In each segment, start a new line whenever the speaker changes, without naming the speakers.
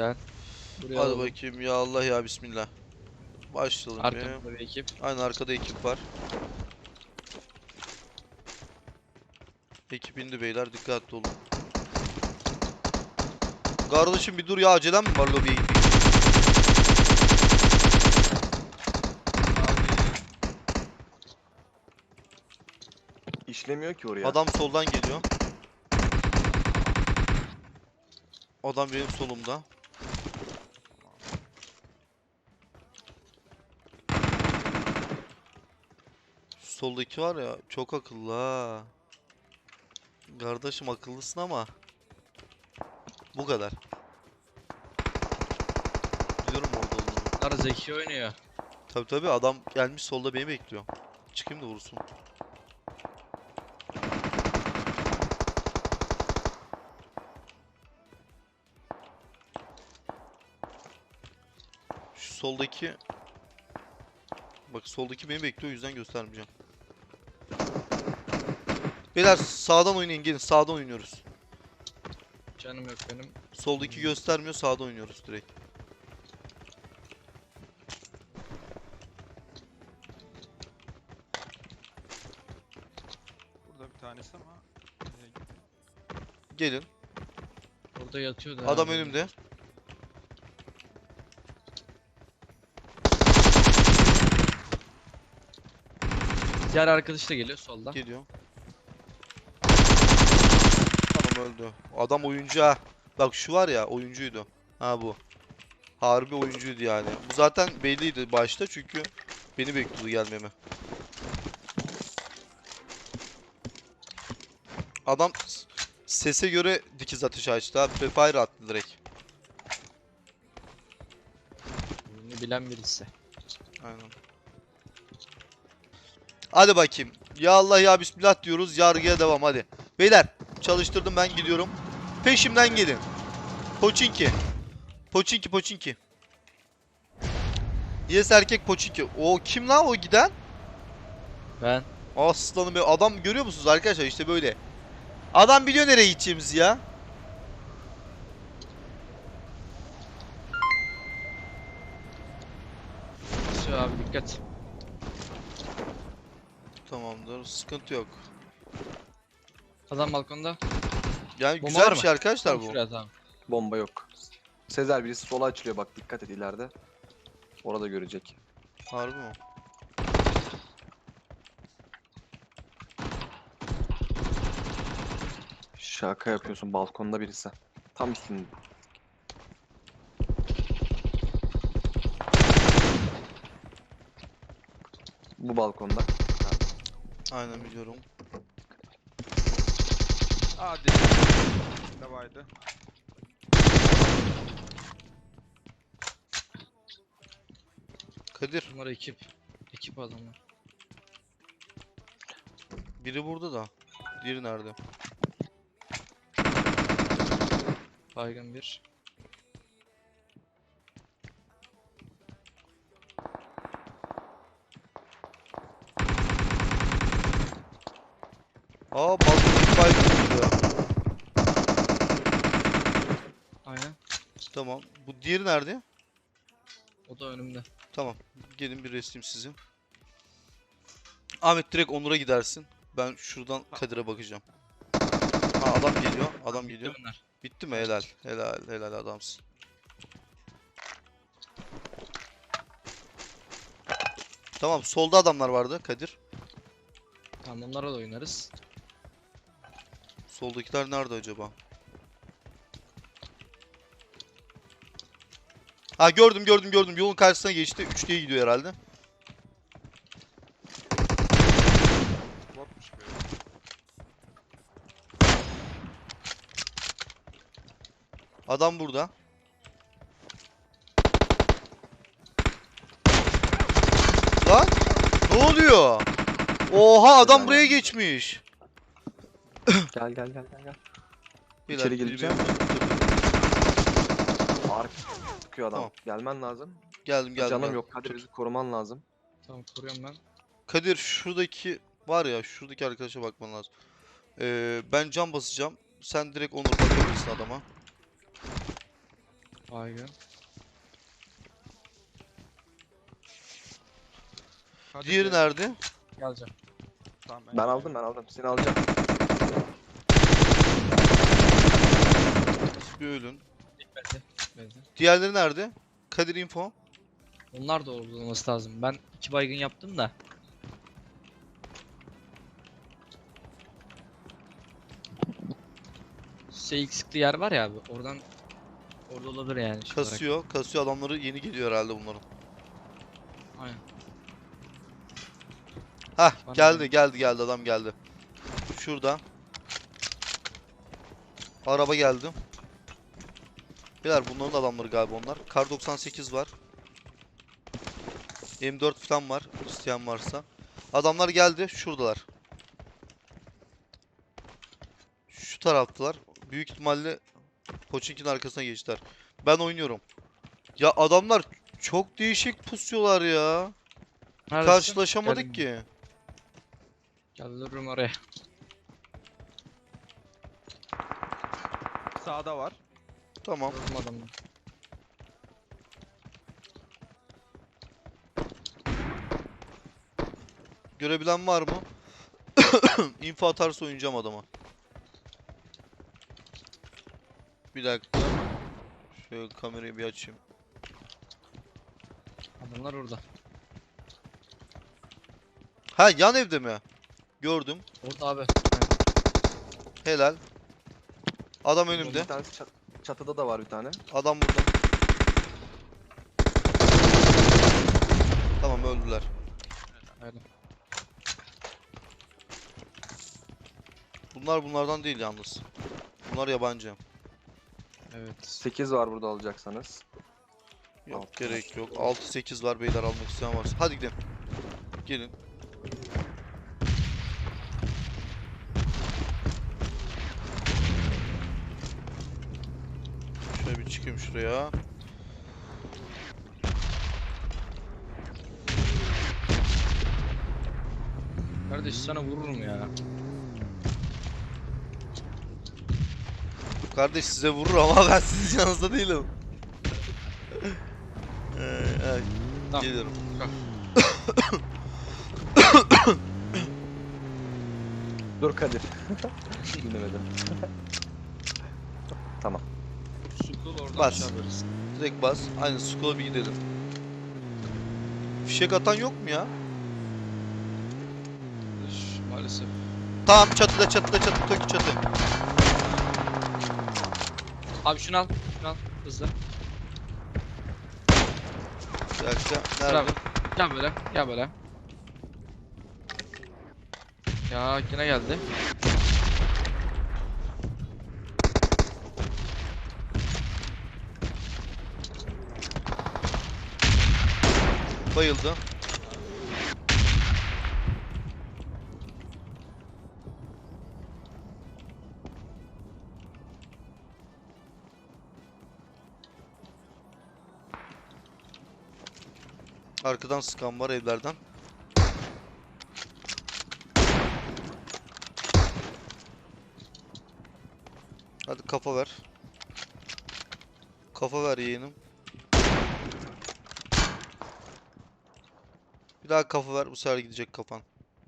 Güzel. Buraya
Hadi
alalım.
bakayım ya Allah ya bismillah. Başlayalım bir.
Arkamızda bir ekip.
Aynen arkada ekip var. Ekip indi beyler dikkatli olun. Kardeşim bir dur ya acelem mi var lobiye gitmek için?
İşlemiyor ki oraya.
Adam soldan geliyor. Adam benim solumda. Şu soldaki var ya çok akıllı ha. Kardeşim akıllısın ama bu kadar. Biliyorum orada olduğunu.
Bunlar zeki oynuyor.
Tabi adam gelmiş solda beni bekliyor. Çıkayım da vursun. Şu soldaki bak soldaki beni bekliyor o yüzden göstermeyeceğim. Beyler sağdan oynayın gelin sağdan oynuyoruz.
Canım yok benim.
Soldaki göstermiyor sağdan oynuyoruz direkt.
Burada bir tanesi ama nereye gitti?
Gelin.
Orada yatıyordu.
Adam
herhalde.
önümde.
Diğer arkadaş da geliyor soldan.
Geliyor. Tamam öldü. Adam oyuncu ha. Bak şu var ya oyuncuydu. Ha bu. Harbi oyuncuydu yani. Bu zaten belliydi başta çünkü beni bekliyordu gelmemi. Adam sese göre dikiz ateşi açtı ha. Prefire attı direkt.
Bunu bilen birisi.
Aynen. Hadi bakayım. Ya Allah ya Bismillah diyoruz. Yargıya devam hadi. Beyler çalıştırdım ben gidiyorum. Peşimden gelin. Poçinki. Poçinki Poçinki. Yes erkek Poçinki. O kim lan o giden?
Ben.
Aslanım be. Adam görüyor musunuz arkadaşlar işte böyle. Adam biliyor nereye gideceğimizi ya.
Şu abi dikkat.
Tamamdır. Sıkıntı yok.
Adam balkonda.
Yani
Bomba
güzel
var
bir
mı?
şey arkadaşlar
Tam
bu.
şuraya tamam.
Bomba yok. Sezer birisi sola açılıyor bak dikkat et ileride. Orada görecek.
Harbi mi?
Şaka yapıyorsun balkonda birisi. Tam üstünde. Bu balkonda.
Aynen biliyorum.
Hadi. Ne vardı?
Kadir.
Bunlar ekip. Ekip adamlar.
Biri burada da. Diğeri nerede?
Baygın bir.
Aa balkonun baygın burada.
Aynen.
Tamam. Bu diğeri nerede?
O da önümde.
Tamam. Gelin bir resmim sizi. Ahmet direkt Onur'a gidersin. Ben şuradan Kadir'e bakacağım. Ha adam geliyor. Adam geliyor.
Bunlar.
Bitti mi? Helal. Helal. Helal adamsın. Tamam. Solda adamlar vardı Kadir.
Tamam onlara da oynarız.
Soldakiler nerede acaba? Ha gördüm gördüm gördüm. Yolun karşısına geçti. 3'lüye gidiyor herhalde.
Botmuş böyle.
Adam burada. Lan ne oluyor? Oha adam buraya geçmiş.
Gel gel gel gel gel.
Beyler,
İçeri
biri
gireceğim.
benim-
Ark sıkıyor adam.
Tamam.
Gelmen lazım.
Geldim geldim.
Canım
geldim.
yok. Hadi bizi koruman lazım.
Tamam koruyorum ben.
Kadir şuradaki var ya şuradaki arkadaşa bakman lazım. Ben cam basacağım. Sen direkt Onur bakabilirsin adama.
Baygın.
Hadi
Diğeri
gel.
nerede?
Geleceğim.
Tamam,
Ben aldım. Seni alacağım.
Bir ölün.
Gitmedi. Gitmedi.
Diğerleri nerede? Kadir info.
Onlar da orada olması lazım. Ben 2 baygın yaptım da. Şey eksikli yer var ya abi. Orada olabilir yani. şey olarak.
Kasıyor. Kasıyor. Adamları yeni geliyor herhalde bunların.
Aynen.
Hah
Bana
geldi adam geldi. Şurada. Araba geldi. Beyler bunların adamları galiba onlar. Kar 98 var. M4 falan var isteyen varsa. Adamlar geldi şuradalar. Şu taraftalar. Büyük ihtimalle Pochinki'nin arkasına geçtiler. Ben oynuyorum. Ya adamlar çok değişik pusuyorlar ya.
Neredesin?
Karşılaşamadık
Geldim.
ki.
Gelirim oraya.
Sağda var.
Tamam.
Gördüm adamı.
Görebilen var mı? İnfo atarsa oynayacağım adama. Bir dakika. Şöyle kamerayı bir açayım.
Adamlar orada.
Ha yan evde mi? Gördüm.
Orada abi.
Helal. Adam
Bir
önümde.
tanesi çatıda da var bir tane.
Adam burada. Tamam öldüler.
Aynen.
Bunlar bunlardan değil yalnız. Bunlar yabancı.
Evet.
8 var burada alacaksanız.
Yok
Altı.
gerek yok. 6-8 var beyler almak isteyen varsa. Hadi gidelim. Gelin. Şöyle bir çıkayım şuraya.
Kardeş sana vururum ya.
Kardeş size vurur ama ben sizin yanınızda değilim. Ay,
Tamam.
geliyorum.
Dur Kadir. Dinlemedim. Tamam.
Sukul oradan
Bas.
aşağı veririz.
Direkt bas. Aynen Skull'a bir gidelim. Fişek atan yok mu ya?
Maalesef.
Tamam çatıda Toki çatı.
Abi şunu al. Şunu al. Hızlı.
Bir dakika.
Bravo.
Nerede?
Gel böyle. Gel böyle. Ya yine geldi.
Bayıldı. Arkadan sıkan var evlerden. Hadi kafa ver. Kafa ver yeğenim. Bir daha kafa ver. Bu sefer gidecek kafan.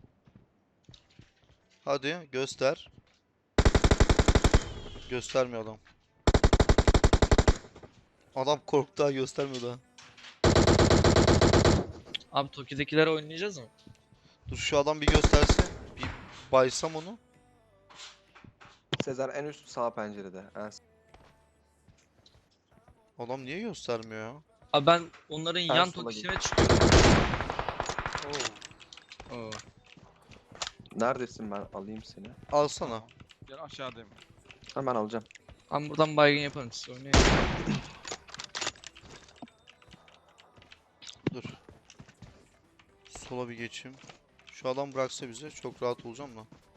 Hadi göster. Göstermiyor adam. Adam korktu ha göstermiyor daha.
Abi Toki'dekileri oynayacağız mı?
Dur şu adam bir gösterse. Bir baysam onu.
Sezer en üst sağ pencerede.
Adam niye göstermiyor ya?
Abi ben onların
Ben
yan
sola
Toki'sine çıkıyorum. Oo.
Neredesin, ben alayım seni.
Alsana.
Gel aşağıdayım.
Hemen alacağım.
Ben buradan baygın yaparım siz oynayın.
Dur. Sola bir geçeyim. Şu adam bıraksa bize çok rahat olacağım da.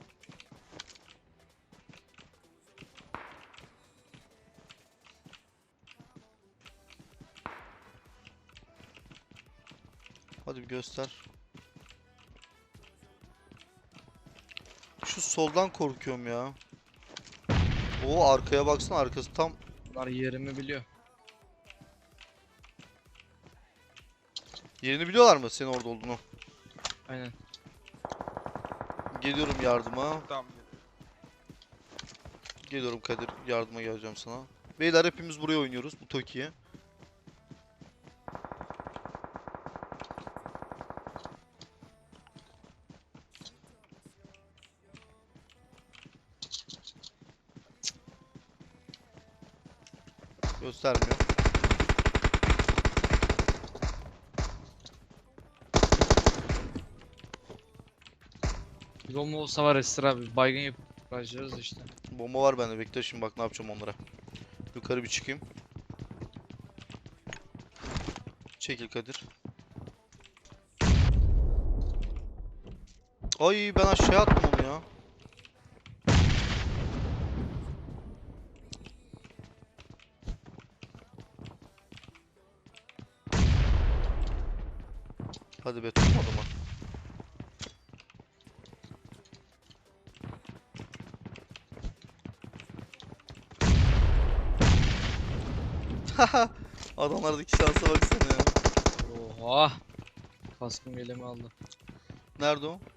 Hadi bir göster. Şu soldan korkuyorum ya. Oo arkaya baksana arkası tam.
Bunlar yerimi biliyor.
Yerini biliyorlar mı senin orada olduğunu?
Aynen.
Geliyorum yardıma.
Tamam.
Geliyorum Kadir, yardıma geleceğim sana. Beyler hepimiz buraya oynuyoruz, bu Toki'ye. Göstermiyor.
Bir bomba olsa var Ester abi. Baygın yapıp başlarız işte.
Bomba var bende, bekle şimdi bak ne yapacağım onlara. Yukarı bir çıkayım. Çekil Kadir. Ay ben aşağıya attım onu ya. Hadi be, tutmadı mı? Adamlardaki şansa baksana ya.
Oha. Kaskım elime aldı.
Nerede o?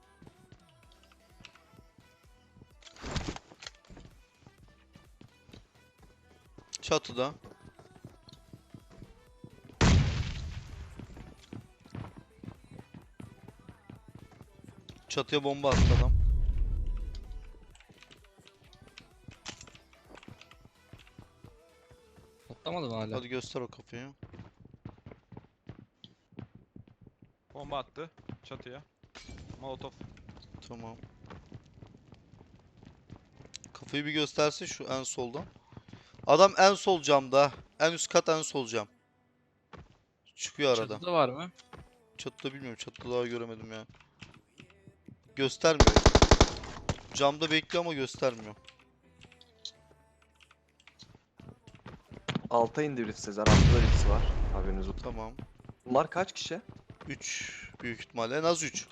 Çatıda. Çatıya bomba attı adam.
Patlamadı mı hala?
Hadi göster o kafayı.
Bomba attı çatıya. Molotov.
Tamam. Kafayı bir göstersin şu en soldan. Adam en sol camda. En üst kat en sol cam. Çıkıyor arada.
Çatıda var mı?
Çatıda bilmiyorum. Çatıda daha göremedim ya. Göstermiyor. Camda bekliyor ama göstermiyor.
Alta indi birisi Sezer. Altta da birisi var. Haberiniz olsun.
Tamam.
Bunlar kaç kişi?
3 büyük ihtimalle. En az 3.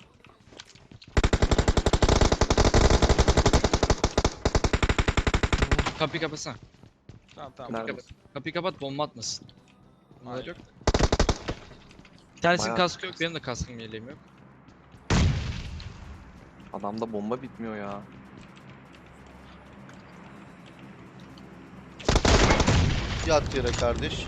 Kapıyı kapatsana.
Tamam.
Nerede?
Kapıyı kapat, bomba atmasın. Bunlar
Aynen.
yok. Bir tanesinin
Bayağı-
kaskı yok, benim de kaskım yeleğim yok.
Adamda bomba bitmiyor ya.
Yat yere kardeş.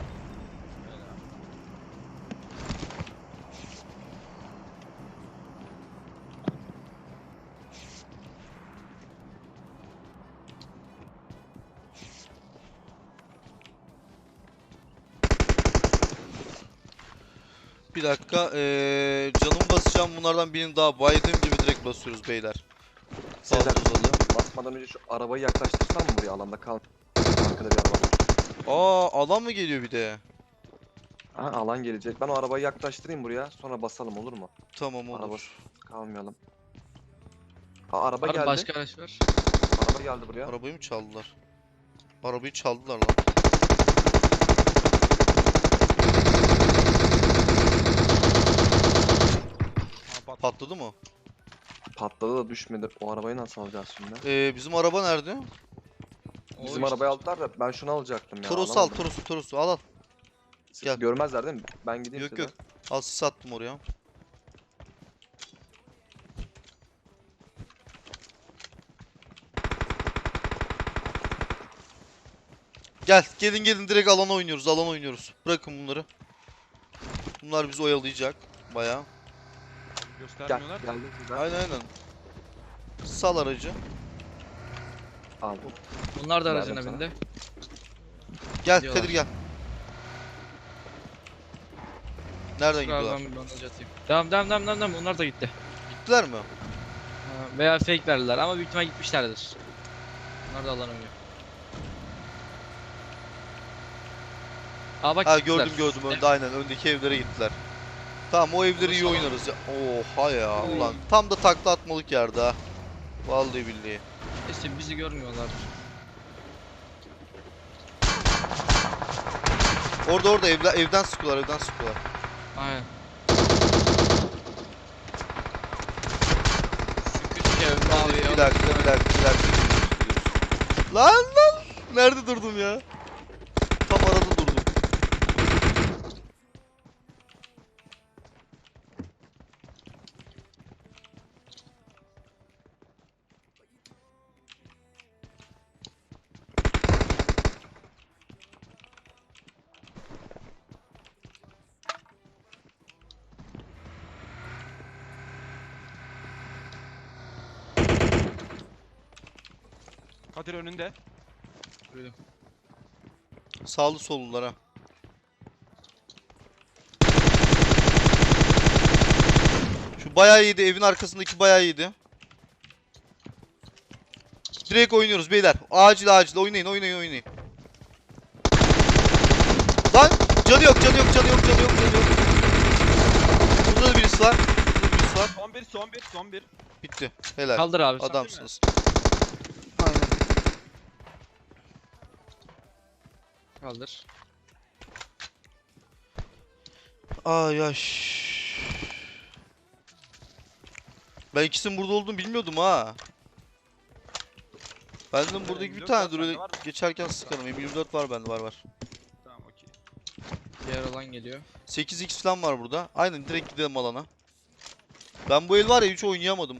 Bir dakika. Canımı basacağım. Bunlardan birini daha baydığım gibi direkt basıyoruz beyler.
Sezer
Fazla uzadı.
basmadan önce şu arabayı yaklaştırsan mı buraya, alanda kal. Arkada bir araba var.
Alan mı geliyor bir de?
Ha, alan gelecek. Ben o arabayı yaklaştırayım buraya. Sonra basalım, olur mu?
Tamam olur.
Araba kalmayalım. Ha, araba
Var mı
geldi.
başka araç var?
Araba geldi buraya.
Arabayı mı çaldılar? Arabayı çaldılar lan. Patladı mı?
Patladı da düşmedi. O arabayı nasıl alacağız şimdi?
Bizim araba nerede?
O
Bizim
işte.
arabayı aldılar da ben şunu alacaktım ya.
Toros'u al,
alamadım.
Toros'u al al. gel.
Görmezler değil mi? Ben gideyim
Yok
size.
yok. Al sis attım oraya. Gelin direkt alana oynuyoruz. Bırakın bunları. Bunlar bizi oyalayacak bayağı.
Gel,
Göstermiyorlar.
geldim size.
Aynen. Sal aracı.
Al.
Bunlar da
Verdim
aracın
sana.
evinde.
Gel
Gidiyorlar.
Kadir gel. Nereden
Dur abi,
gidiyorlar?
ben bir bandaj atayım. Devam. Onlar da gitti.
Gittiler mi?
Ha, veya fake verdiler ama büyük ihtimal gitmişlerdir. Bunlar da alan oynuyor. Aa bak
Ha
gittiler.
gördüm önde aynen öndeki evlere gittiler. Tamam o evleri iyi
Burası
oynarız ya. Oha ya
Oo.
ulan tam da takla atmalık yerde ha. Vallahi billahi.
İşte bizi görmüyorlar.
Orada evden sıkıyorlar.
Aynen. Şu küçük ev mavi
Bir dakika. Lan nerede durdum ya? Tam arada durdum.
Kadir önünde.
Duydum.
Sağlı sollulara. Şu bayağı iyiydi. Evin arkasındaki bayağı iyiydi. Direkt oynuyoruz beyler. Acil oynayın. Lan canı yok. Burada da birisi var.
Son bir.
Bitti. Helal.
Kaldır abi.
Adamsınız. Aynen.
Kaldır.
Ay yaş. Ben ikisinin burada olduğunu bilmiyordum ha. Benden buradaki bir
M24
tane
var,
dur öyle
sende var mı?
geçerken sıkalım. M24 var bende var.
Tamam okey.
Diğer alan geliyor.
8x falan var burada. Aynen direkt gidelim alana. Ben bu el var ya hiç oynayamadım.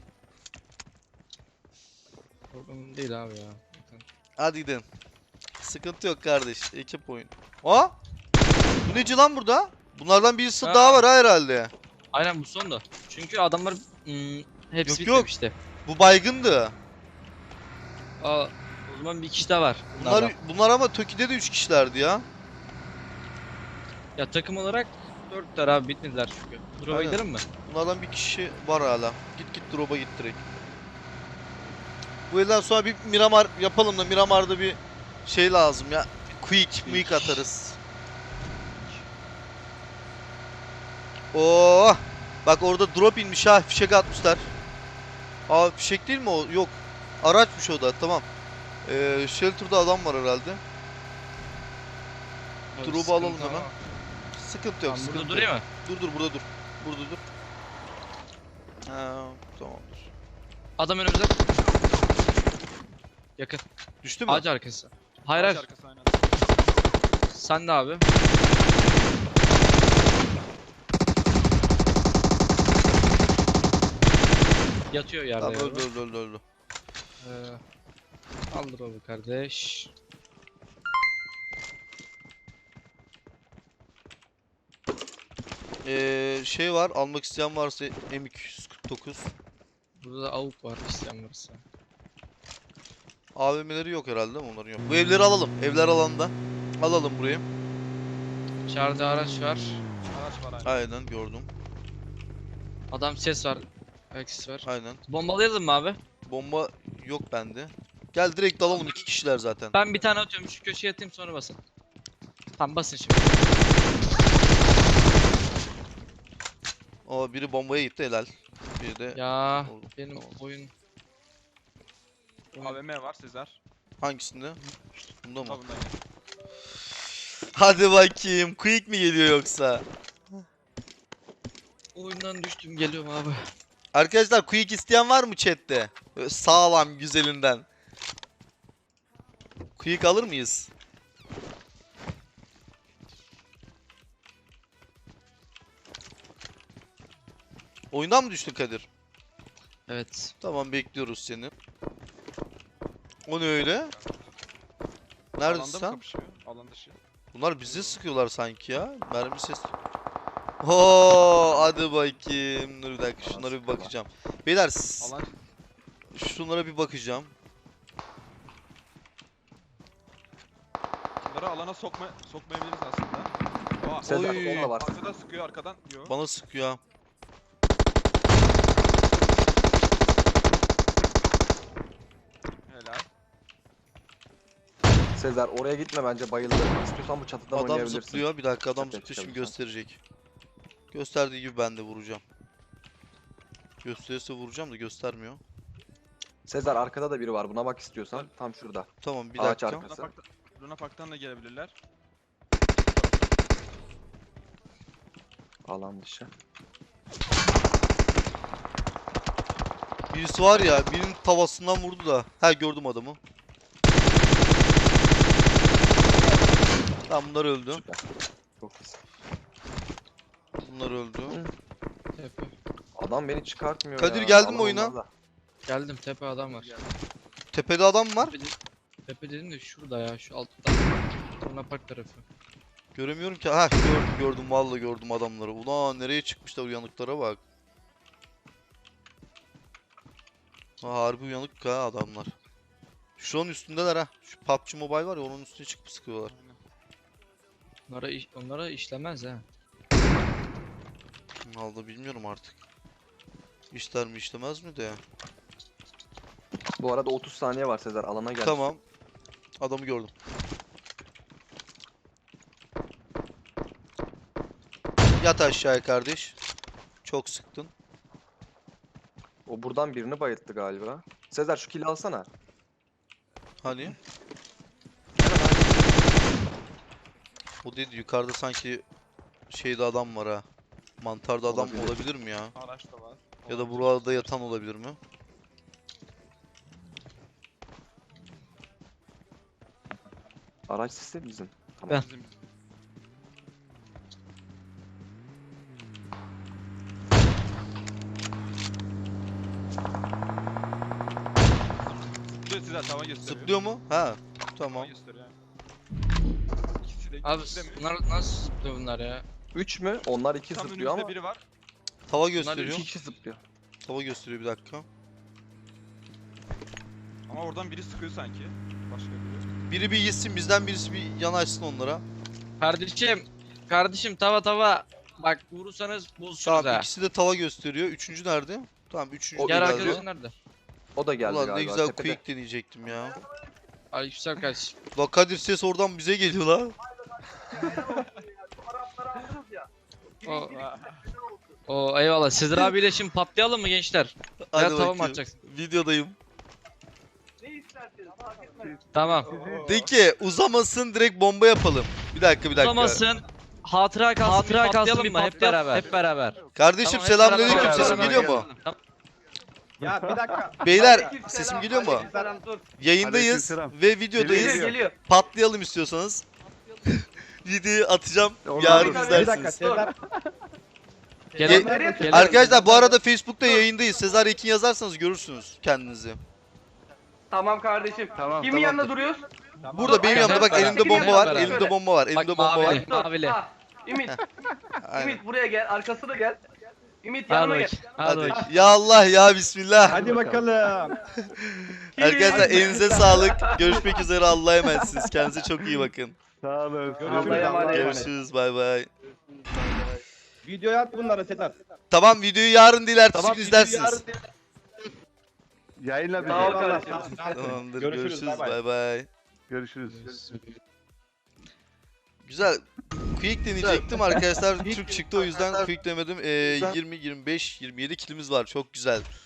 Problem değil abi ya.
Hadi gidelim. Sıkıntı yok kardeş. Ekip oyun. Aa! Bu neci lan burada? Bunlardan birisi
Ha.
daha var ha herhalde.
Aynen bu son da. Çünkü adamlar hepsi
Yok, yok.
bitmemişti.
Bu baygındı.
Aa, o zaman bir kişi daha var. bunlardan.
Bunlar ama Toki'de de 3 kişilerdi ya.
Ya takım olarak 4'ler abi bitmediler çünkü. Drop'a
Aynen.
gidelim mi?
Bunlardan bir kişi var hala. Git drop'a git direkt. Bu elden sonra bir Miramar yapalım da Miramar'da bir şey lazım ya. Quick atarız. Oo! Bak orada drop inmiş ha. Fişek atmışlar. Aa fişek değil mi o? Yok. Araçmış o da. Tamam. Shelter'da adam var herhalde.
Abi,
Drop'u
sıkıntı
alalım
ama.
hemen. Sıkıntı yok.
Tamam,
Sıkıntı
burada
yok.
durayım mı?
Dur burada dur. Burada dur. Ha, tamamdır.
Adam önümüzde. Yakın.
Düştü mü?
Ağaç arkası. Hayır
Ağaç
hayır.
arkası aynen.
Sen de abi. Yatıyor yerde.
Tamam
yavrum.
öldü.
Kaldır abi kardeş.
Şey var. Almak isteyen varsa M249.
Burada da avuk var isteyen varsa.
AVM'leri yok herhalde değil mi? Onların yok. Bu evleri alalım. Evler alanda. Alalım burayı.
İçeride araç var.
Araç var aynen.
Aynen gördüm.
Adam ses var. Ayak sesi var.
Aynen.
Bombalayalım mı abi?
Bomba yok bende. Gel direkt dalalım. 2 kişiler zaten.
Ben bir tane atıyorum. Şu köşeye atayım sonra basın. Tamam basın şimdi.
O biri bombaya gitti helal. Biri de
Ya
oldu.
benim
Tamam.
oyun
AVM var Sezer.
Hangisinde? Bunda mı?
Tabii bundan gel.
Hadi bakayım. Quick mi geliyor yoksa?
oyundan düştüm geliyorum abi.
Arkadaşlar quick isteyen var mı chatte? Böyle sağlam güzelinden. Quick alır mıyız? Oyundan mı düştün Kadir?
Evet.
Tamam bekliyoruz seni. O ne öyle? Neredesin
Alanda mı
sen?
kapışıyor? Alan dışı.
Bunlar bize sıkıyorlar sanki ya. Mermi ses. Oo, hadi bakayım. Dur bir dakika şunlara bir
sıkıyorlar.
bakacağım. Beyler
Alan
şunlara bir bakacağım.
bunları alana sokmayabiliriz aslında. Oha.
Sezer
Oy.
solda var.
Arkada sıkıyor arkadan. Yo.
Bana sıkıyor ha.
Helal.
Sezer oraya gitme bence bayılır. İstiyorsan bu çatıdan
Adam
oynayabilirsin.
zıplıyor. Bir dakika adam
Tepeye
zıplıyor şimdi
çıkabilirsen.
gösterecek. Gösterdiği gibi ben de vuracağım. Gösterirse vuracağım da göstermiyor.
Sezer arkada da biri var. Buna bak istiyorsan. Tam şurada.
Tamam bir
Ağaç
dakika.
arkası.
Luna Park'tan da gelebilirler.
Alan dışı.
Birisi var ya birinin tavasından vurdu da. Ha gördüm adamı. Tamam bunlar öldü.
Süper. Çok iyisin.
Bunlar öldü.
Tepe.
Adam beni çıkartmıyor
Kadir,
ya.
geldin mi
Alan
oyuna?
onlarda.
Geldim tepe adam var.
Tepede adam var.
Tepe dedim de şurada ya şu altta. Luna Park tarafı.
Göremiyorum ki. Ha gördüm vallahi gördüm adamları. Ulan nereye çıkmışlar uyanıklara bak. Ha, harbi uyanık ha adamlar. Şu an üstündeler ha. Şu PUBG Mobile var ya onun üstüne çıkıp sıkıyorlar.
Onlara işlemez ha.
Vallahi bilmiyorum artık. İşler mi işlemez mi de.
Bu arada 30 saniye var Sezer, alana gel.
Tamam. Adamı gördüm. Yat aşağıya kardeş. Çok sıktın.
O buradan birini bayılttı galiba. Sezer şu kili alsana.
Hani? O dedi yukarıda sanki şeyde adam var ha. Mantarda adam
Olabilir.
olabilir mi ya?
Araç da var.
Ya da burada yatan olabilir mi?
Araç sistemi bizim.
Ben-
Bizim. Zıplıyor size tava gösteriyor.
Zıplıyor mu? Ha.
Tava
Tamam.
gösteriyor. İkisi de
Abi
ikisi de mi?
bunlar nasıl zıplıyor bunlar ya?
3 mü? Onlar 2
Tam
zıplıyor
önümüzde
ama
biri var.
Tava
iki
gösteriyor.
kişi zıplıyor.
Tava gösteriyor bir dakika.
Ama oradan biri sıkıyor sanki. Başka biri.
Biri bir gitsin bizden birisi bir yanaşsın onlara.
Kardeşim tava. Bak vurursanız bozuşuruz
Tamam
ha.
ikisi de tava gösteriyor. Üçüncü nerede? Tamam üçüncü
O
Diğer
geldi.
arkadaşın nerede?
O da geldi
Ulan
galiba.
ne güzel
tepede.
quick deneyecektim ya.
Aleykümselam kardeşim.
Bak Kadir ses oradan bize geliyor la.
O, o eyvallah. Sezer abiyle şimdi patlayalım mı gençler?
Hadi
Ya tava mı
bakayım.
atacaksın?
Videodayım.
Tamam.
De ki uzamasın direkt bomba yapalım. Bir dakika.
Tutamasın. Hatıra kalsın bir hep beraber. Hep beraber.
Kardeşim
Tamam, hep
selamünaleyküm.
beraber.
Sesim
Beraber
geliyor mu?
Tamam.
Ya bir dakika.
Beyler sesim geliyor mu?
Aleykümselam, dur.
Yayındayız
Aleykümselam.
ve videodayız.
Geliyor, geliyor.
Patlayalım istiyorsanız. Videoyu atacağım.
Olur,
Yarın
olur.
Bir dakika,
izlersiniz.
Sezer.
Gelen,
Arkadaşlar bu arada Facebook'ta yayındayız. Sezar Ekin yazarsanız görürsünüz kendinizi.
Tamam kardeşim.
Tamam,
Kimin yanında
tamamdır.
duruyoruz?
Burada benim yanımda bak
Beraber.
elimde bomba var.
Beraber.
Elimde bomba var. Elimde
Bak,
bomba var.
mavili. Mavili.
Ha, Ümit.
Aynen.
Ümit buraya gel. Arkasına gel. Ümit
Hadi
yanıma gel.
bakayım. Hadi
Hadi.
bakayım.
Ya Allah ya Bismillah.
Hadi bakalım.
Arkadaşlar elinize sağlık. Görüşmek üzere. Allah'a emanetsiniz. Kendinize çok iyi bakın.
Sağ olun.
Görüşürüz. Görüşürüz. Bay bay.
Videoya at bunları Sezer.
Tamam videoyu yarın değil ertesi gün izlersiniz.
Yayınla bizi.
Sağ ol kardeşim.
Tamamdır.
Görüşürüz,
Görüşürüz.
bay bay.
Bay bay.
Görüşürüz.
Güzel. Quick deneyecektim arkadaşlar. Türk çıktı o yüzden quick demedim. 20, 25, 27 kilimiz var. Çok güzel.